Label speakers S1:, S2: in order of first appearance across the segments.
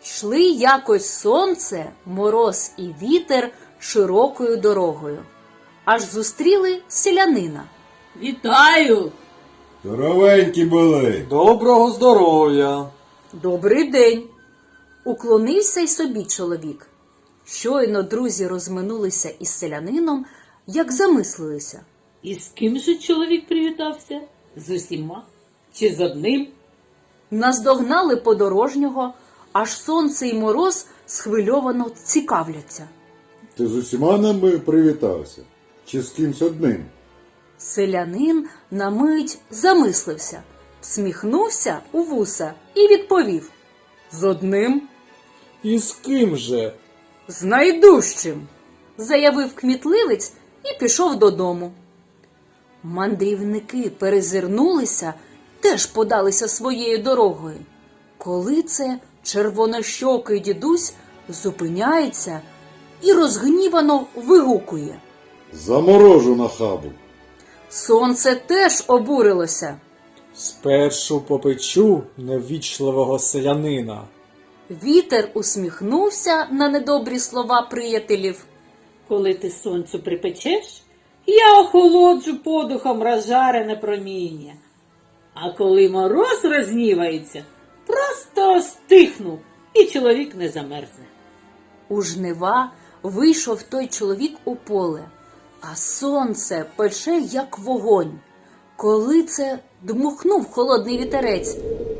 S1: Йшли якось сонце, мороз і вітер широкою дорогою. Аж зустріли селянина.
S2: Вітаю!
S3: Здоровенькі були.
S4: Доброго здоров'я!
S1: Добрий день! Уклонився й собі чоловік. Щойно друзі розминулися із селянином, як замислилися.
S2: І з ким же чоловік привітався? З усіма? Чи з одним?
S1: Наздогнали подорожнього, аж сонце й мороз схвильовано цікавляться.
S3: Ти з усіма нами привітався? Чи з кимсь одним?
S1: Селянин на мить замислився, всміхнувся у вуса і відповів. З одним?
S4: І з ким же?
S1: З найдужчим, заявив кмітливець і пішов додому. Мандрівники перезирнулися, теж подалися своєю дорогою. Коли це червонощокий дідусь зупиняється і розгнівано вигукує.
S3: Заморожу на хабу.
S1: Сонце теж обурилося.
S4: Спершу попечу неввічливого селянина.
S1: Вітер усміхнувся на недобрі слова приятелів.
S2: Коли ти сонцю припечеш, я охолоджу подухом розжарене проміння. А коли мороз розгнівається, просто стихну, і чоловік не замерзне.
S1: У жнива вийшов той чоловік у поле, а сонце пече, як вогонь. Коли це дмухнув холодний вітерець.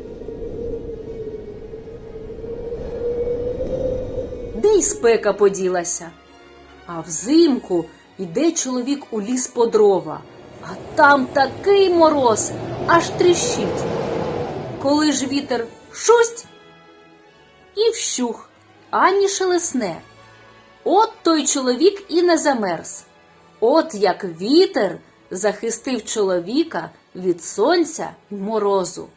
S1: Де й спека поділася? А взимку йде чоловік у ліс по дрова, а там такий мороз, аж тріщить. Коли ж вітер шусть і вщух, ані шелесне. От той чоловік і не замерз. От як вітер захистив чоловіка від сонця й морозу.